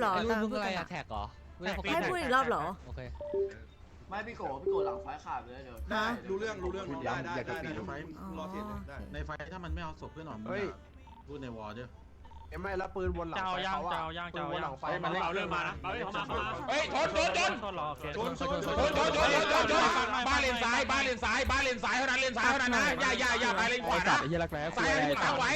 เหรอไอ้รุ่นมึงอะไรอะแท็กเหรอให้พูดอีกรอบเหรอโอเคไม่พี่โกหลังไฟขาดเลยเดี๋ยวฮะรู้เรื่องได้ในไฟอ๋อรอเทียนได้ในไฟถ้ามันไม่เอาศพเพื่อนหนอนพูดในวอร์ด้วยไม่แล้วปืนบนหลังไฟหลังไฟมันเอาเรื่องมานะเอาเรื่องเข้ามาเฮ้ยชนบ้านเลนซ้ายบ้านเลนซ้ายบ้านเลนซ้ายเท่านั้นเลนซ้ายเท่านั้นนะอย่าไปเลนขวานะซ้ายข้างไว้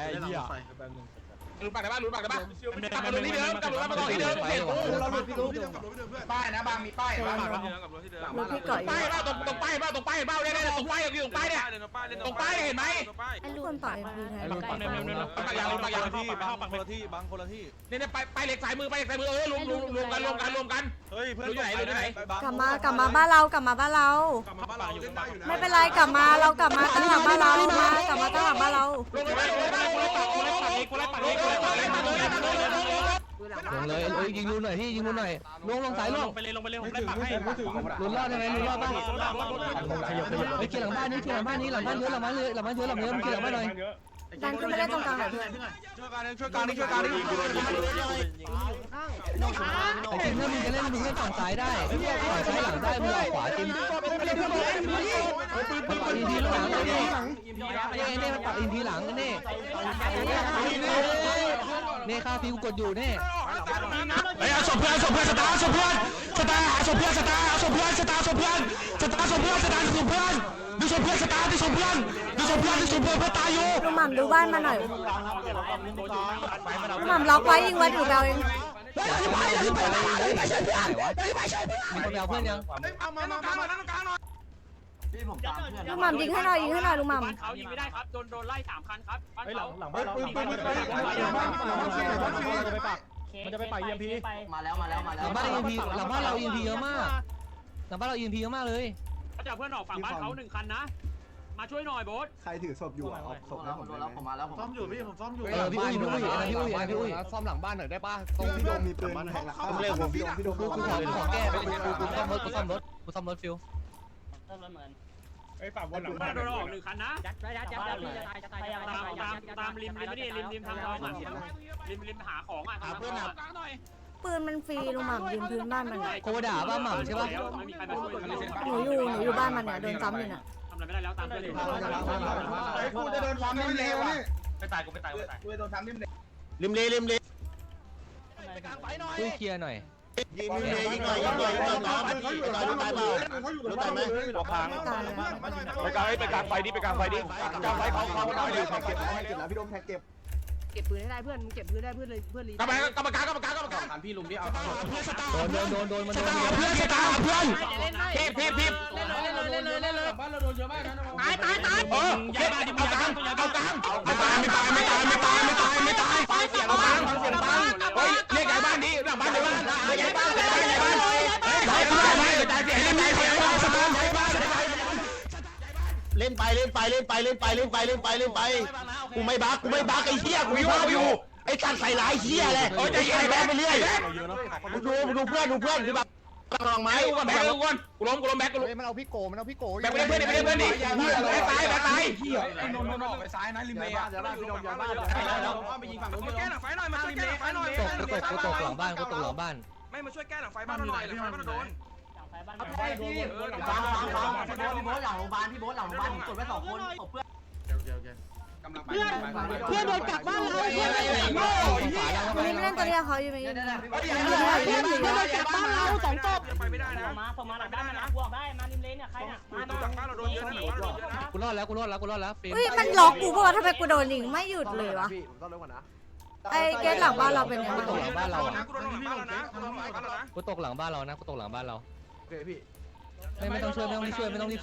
ลุ้นปากได้บ้านลุ้นปากได้บ้านกลับมาที่เดิมกลับมาที่เดิมเห็นป้ายนะบางมีป้ายบ้างรถพี่ก่อยป้ายบ้างตรงป้ายบ้างตรงป้ายบ้างเนี่ยตรงป้ายอยู่ตรงป้ายเนี่ยตรงป้ายเห็นไหมไอ้ลูกคนต่อยพีไทยปากยางที่บางคนละที่เนี่ยไปเหล็กสายมือรวมกันเฮ้ยเพื่อนอยู่ไหนกลับมาบ้านเราไม่เป็นไรกลับมาตั้งหลังบ้านเรากลับมาตั้งหลังบ้านเราลงเลยยิงรูหน่อยพี่ยิงรูหน่อยลงสายลงไปเลยผมได้ปักให้ลุ้นรอดได้ไหมลุ้นรอดบ้างไปเกี่ยวหลังบ้านนี่เกี่ยวหลังบ้านนี้หลังบ้านเยอะหลังบ้านเยอะเกี่ยวหลังบ้านหน่อยดันขึ้นไปเล่นตรงกลางเพื่อนช่วยการนี่ไอ้ทีมถ้ามึงจะเล่นมึงเล่นฝั่งซ้ายได้ฝั่งซ้ายหลังได้มึงขวาทีมมันปักอินทีหลังนี่มันปักอินทีหลังกันนี่ค่าฟิวกดอยู่นี่ไอ้เอาศพเพื่อนสตาร์ศพเพื่อนตายอยู่ลุงหม่ำดูบ้านมาหน่อยลุงหม่ำล็อกไว้ยิงไว้ถือแบลเองมีคนไปเอาเพื่อนยังพี่ผมตามเพื่อนลุงหม่ำยิงให้หน่อยลุงหม่ำเขายิงไม่ได้ครับโดนไล่3 คันครับบ้านเขาหลังบ้านเรามันจะไปป่าเยี่ยมพีมาแล้วหลังบ้านเรา EMP เยอะมากเลยเขาจะเพื่อนออกฝั่งบ้านเขา1 คันนะมาช่วยหน่อยโบ๊ทใครถือศพอยู่อ่ะเอาศพแล้วผมผมมาแล้วผมซ่อมอยู่พี่ผมซ่อมอยู่พี่อุ้ยซ่อมหลังบ้านหน่อยได้ป่ะตรงพี่โดมมีปืนแทงหลังผมเรียกผมพี่โดมกูขอแก้กูซ่อมรถฟิวไอ้ฝั่งบนหลังบ้านโดนออก1 คันนะตามริมไม่ได้ริมทางท้องอ่ะริมหาของอ่ะเพื่อนหน่อยปืนมันฟรีลุงหม่ำยืนพื้นบ้านมันโคด่าบ้าหม่ำใช่ป่ะไม่มีใครมาช่วยหนูอยู่บ้านมันเนี่ยโดนซ้ำอยู่น่ะทำอะไรไม่ได้แล้วตามเพื่อนเลยไอ้กูจะโดนทำนิ่มเลวนี่ไม่ตายกูไม่ตายกูจะโดนทำนิ่มเลวริมเลช่วยเคลียร์หน่อยยิงหน่อยน้ำตายไหมตายเลยไปกลางไฟดิกลางไฟเขาได้อยู่เก็บแล้วพี่โดมแท็กเก็บเก็บปืนให้ได้เพื่อนมึงเก็บปืนได้เพื่อนเลยเพื่อนรีกรรมการพี่ลุงที่เอาโดนมันสโดนตาร์เพื่อนพีบบ้านเราโดนเยอะมากนะตายเอากลางไม่ตายเสียงกลางเฮ้ยเรียกใหญ่บ้านนี้หลังบ้านเดี๋ยวใหญ่บ้านเล่นไปกูไม่บักไอ้เหี้ยกูอยู่ไอ้การใส่หลายเหี้ยเลยใจเย็นแบกไปเรื่อยดูเพื่อนคือแบบกำลังไม้แบกกูล้มแบกกูล้มมันเอาพี่โกแบกไปเพื่อนดิตายเหี้ยโน่ไปซ้ายนะริมเมย์อย่าบ้านพี่โดมอย่าบ้านเราไปยิงฝั่งนู้นแก้หลังไฟหน่อยมาช่วยแก้หลังไฟหน่อยตกหลังบ้านไม่มาช่วยแก้หลังไฟบ้านหน่อยหลังไฟบ้านโดนพี่โบ๊ทหลังโรงพยาบาลพี่โบ๊ทหลังโรงพยาบาลผมกดไว้2 คนตบเพื่อนเพื่อนโดนกลับบ้านเราเพื่อนวันนี้ไม่เล่นตัวนี้เขาอยู่ไหมเพื่อนโดนกลับบ้านเรา2 ศพไปไม่ได้นะส่งมาหลังบ้านนะบวกได้มาริมเลนเนี่ยใครน่ะมาหลังบ้านเราโดนเยอะนะกูรอดแล้วฟิล์มเฮ้ยมันล็อกกูป่ะทำไมกูโดนยิงไม่หยุดเลยวะพี่ผมต้องเร็วกว่านะไอ้เกตหลังบ้านเราเป็นยังไงตกหลังบ้านเรากูโดนหลังบ้านแล้วนะกูโดนหลังบ้านแล้วนะกูตกหลังบ้านเราโอเคพี่ไม่ต้องช่วยมึงเอามึง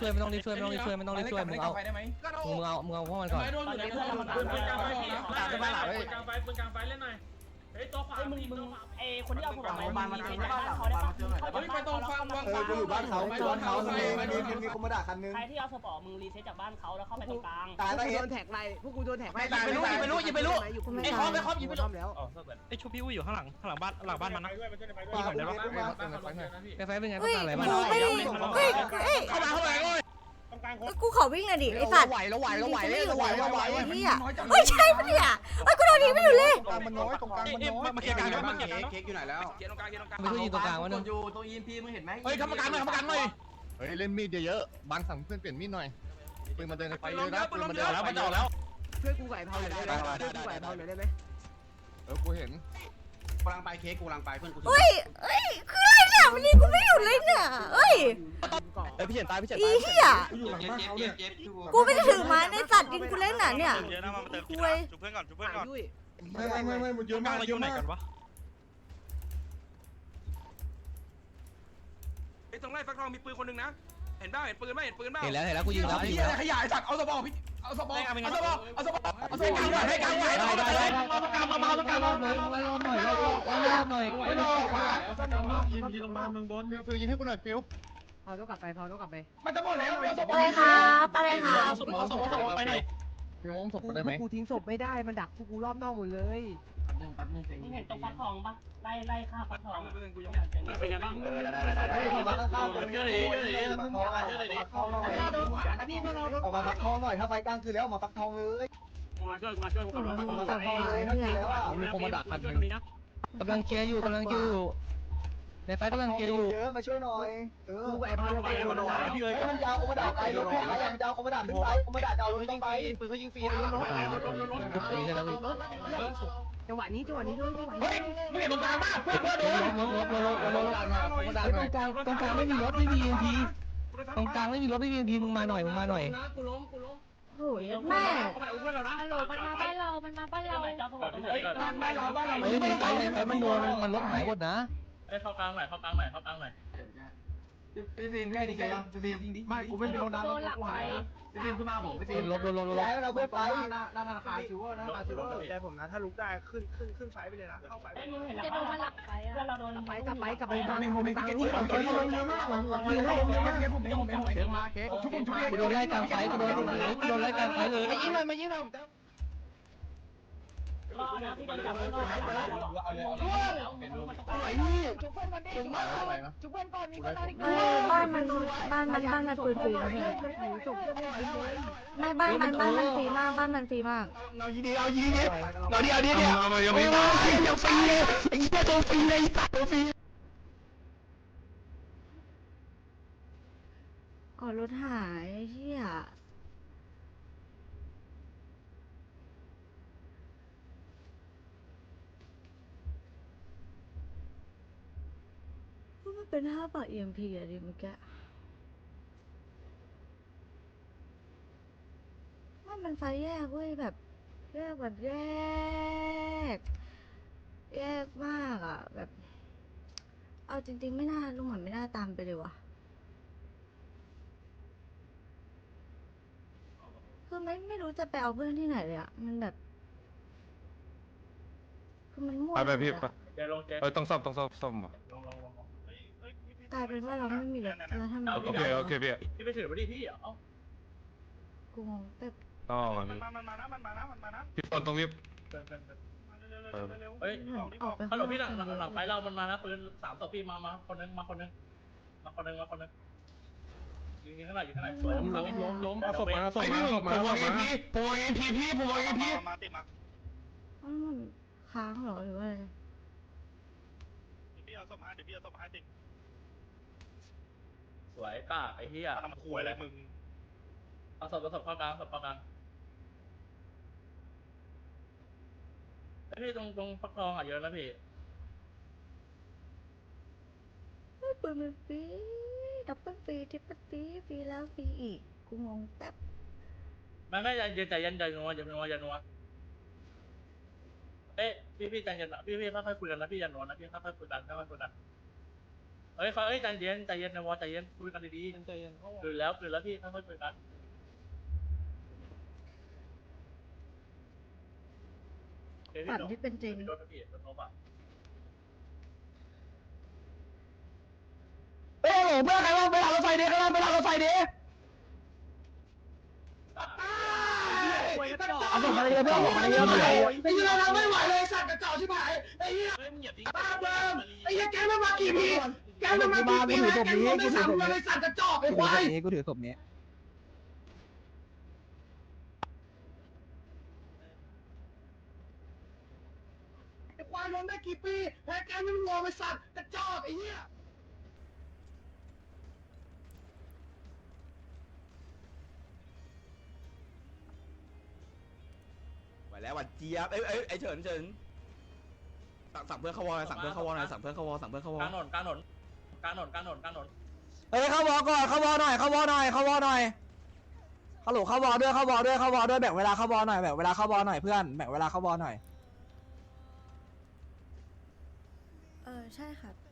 เอาพวกมันก่อนโดนอยู่ในเพื่อนเราปืนกลางไฟปืนกลางไฟเล่นหน่อยเฮ้ยตัวขวามึงคนที่เอาผมไปบ้านมันเจอหน่อยบ้านมันเจอหน่อยเฮ้ยไปตรงฝั่งกูอยู่บ้านเขามีคอมโบดาคันนึงใครที่เอาสปอร์ตมึงรีเซ็ตจากบ้านเขาแล้วเข้าไปตรงกลางตายแล้วเห็นโดนแท็กไรพวกกูโดนแท็กไม่รู้ไอ้คอมยิงไปแล้วไอ้ชูพี่อุ้ยอยู่ข้างหลังบ้านมันนะพี่ผมได้ปะไฟเป็นไงเฮ้ยอะไรกูมันไม่ได้เฮ้ยเข้ามาเลยกูขอวิ่งหน่อยดิไอ้สัตว์ไหวแล้วไหวแล้วไหวไม่แล้วอยู่ไหวไหวแล้วไหวไอ้เหี้ยเฮ้ยใช่ปะเนี่ยเฮ้ยกูโดนทีไม่อยู่เลยมันน้อยตรงกลางมันน้อยมาเคลียร์กลางแล้วมาเคลียร์เค้กอยู่ไหนแล้วเค้กตรงกลางเค้กตรงกลางมันคือยิงตรงกลางวะกเนี่ยดอยู่ตรง EMP มึงเห็นไหมเฮ้ยกรรมการหน่อยกรรมการหน่อยเฮ้ยเล่นมีดเยอะๆบางสั่งเพื่อนเปลี่ยนมีดหน่อยปืนมาเดินในไฟไปเยลงอะเยนะอะไปปืนลงมาเยเดินอะแล้วมันออกแล้วเพื่อนกูไหวเผาหน่อยได้ไหมเพื่อนกูไหวเผาหน่อยได้ไหมกูเห็นกำลังไปเค้กกูกำลังไปเพื่อนกูเฮ้ยเฮ้ยคืออะไรเนี่ยวันนี้กูไม่อยู่เลยเนี่ยเฮ้ยไอพี่เฉินตายพี่เฉินอีตายเหี้ยอยู่หลังบ้านเขาเนี่ยกูไม่ได้ถือไม้ในสัตว์ยิงกูเล่นน่ะเนี่ยคุยจุบเพื่อนก่อนจุบเพื่อนก่อนด้วยไม่มันเยอะมากเยอะมากไอ้ตรงไร่ฟักทองมีปืนคนนึงนะเห็นบ้าเห็นปืนไหมเห็นปืนบ้าเห็นแล้วกูยิงแล้วกูยิงแล้วขยายสัตว์เอาสบอพี่เอาสบอเอาสบอเอาสบอเอาสบอให้กลางไหวได้รอบหน่อยรอบหน่อยยิงลงมาเมืองบนฟิวยิงให้กูหน่อยฟิวพอต้องกลับไปพอต้องกลับไปมันจะหมดแล้วเอาสบออะไรครับอะไรครับสมอไปไหนฟิวงศพได้ไหมกูทิ้งศพไม่ได้มันดักพวกกูรอบนอกหมดเลยมึงเห็นตรงฟักทองปะไล่ข้าฟักทองเป็นไงบ้างออกมาฟักทองหน่อยถ้าไฟกลางคือแล้วมาฟักทองเลยมาช่วยมาช่วยมาฟักทองเลยถ้าคือแล้วอ่ะมีคนมาดักคันนึงกำลังเคลียร์อยู่ในไฟกำลังเคลียร์อยู่เยอะมาช่วยหน่อยกูไหวเผาไปโดนหน่อยมันยาวกูมาด่าไปรถแพ้ยังยาวกูมาด่าขึ้นไปกูมาด่าเอารถต้องไปปืนเขายิงฟรีนะรถจังหวะนี้ด้วยจังหวะนี้ไม่เห็นตรงกลางบ้าเพื่อนโดนตรงกลางไม่มีรถไม่มี EMP ตรงกลางไม่มีรถไม่มี EMP มึงมาหน่อยโอ้ยแม่ฮัลโหลมันมาบ้านเรา มันมาบ้านเราเฮ้ยไปมันโดนมันรถหายหมดนะเข้ากลางหน่อยเข้ากลางหน่อยเข้ากลางหน่อยพี่ฟิล์มแค่นี้กันยังพี่ฟิล์มไม่กูไม่โดนน้ำโดนหลังไปพี่ฟิล์มขึ้นมาผมพี่ฟิล์มรถย้ายเราเพื่อไปหน้าธนาคารซิวเวอร์นะธนาคารซิวเวอร์แต่ผมนะถ้าลุกได้ขึ้นไฟไปเลยนะเข้าไฟจะโดนมันหลังไปอ่ะเราโดนกลับไปกลับไปผมเค้กมาเค้กทุกคนทุกคนกูโดนไล่กลางไฟกูโดนไล่กลางไฟเลยมายิงหน่อยมายิงหน่อยบ้านมันปืนฟรีนะพี่ไม่บ้านมันฟรีมากบ้านมันฟรีมากเอาดีเนี่ยยังไม่มายังฟรีเลยไอ้เหี้ยตัวฟรีเลยตัวฟรีอ๋อรถหายเหี้ยมันเป็น5 บาท EMP อะดิเมื่อกี้มันไฟแยกเว้ยแบบแยกมากอ่ะแบบเอาจริงๆไม่น่าลุงหมันไม่น่าตามไปเลยว่ะคือไม่รู้จะไปเอาเพื่อนที่ไหนเลยอ่ะมันแบบคือมันมั่วไปพี่เจลงเจต้องซ่อมกลายเป็นว่าเราไม่มีรถแล้วทำไมโอเคพี่พี่ไปถือมาดิพี่เอ้ากูงงแบบต่อกันพี่ตรงนี้เฮ้ยออกไปฮัลโหลพี่หลังไฟเรามันมานะปืน3 ตัวพี่มาคนนึงยิงข้างหน้าอยู่ข้างหน้าสวยล้มเอาศพมาผมวาง EP ผมวาง EP พี่ผมวาง EP มันค้างเหรอหรือว่าอะไรสวยกล้าไอ้เหี้ยทำขวยอะไรมึงเอาศพเข้ากลางไอ้พี่ตรงฟักทองอ่ะเยอะนะพี่ปืนมันฟรีดับเบิลฟรีทริปเปิลฟรีฟรีแล้วฟรีอีกกูงงแป๊บมันไม่ใจเย็นนัวเอ๊ะพี่ใจเย็นนะพี่ค่อยๆคุยกันนะพี่อย่านัวนะพี่ค่อยๆคุยกันเฮ้ยใจเย็นนะวอใจเย็นคุยกันดีๆใจเย็นคือแล้วพี่ค่อยๆคุยกันฝันที่เป็นจริงโดนพี่โดนป่ะเฮ้ยเพื่อนใครว่าไปหลังรถไฟเด็กไปหลังรถไฟเด็กเอาส่งมาเลยเพื่อนส่งมาเลยไอ้เหี้ยเราไม่ไหวเลยสัตว์กระจอกชิบหายไอ้เหี้ยบ้าเบิ้มไอ้เหี้ยแกไม่มากี่ปีแกไม่มากี่ปีแกไม่มากี่ปีไอ้สัตว์กระจอกไอ้ควายกูถือศพนี้ได้กี่ปีแพ้แกไม่งอไปสัตว์กระจอกไอ้เหี้ยไหวแล้วหวัดเจี๊ยบไอ้เฉินสั่งเพื่อนเข้าวอลสั่งเพื่อนเข้าวอลหน่อยสั่งเพื่อนเข้าวอลสั่งเพื่อนเข้าวอลกลางถนนกลางถนนกลางถนนกลางถนนกลางถนนเฮ้ยเข้าวอก่อนเข้าวอหน่อยเข้าวอหน่อยเข้าวอหน่อยฮัลโหลเข้าวอด้วยเข้าวอด้วยเข้าวอด้วยแบ่งเวลาเข้าวอหน่อยแบ่งเวลาเข้าวอหน่อยเพื่อนแบ่งเวลาเข้าวอหน่อยใช่ครับ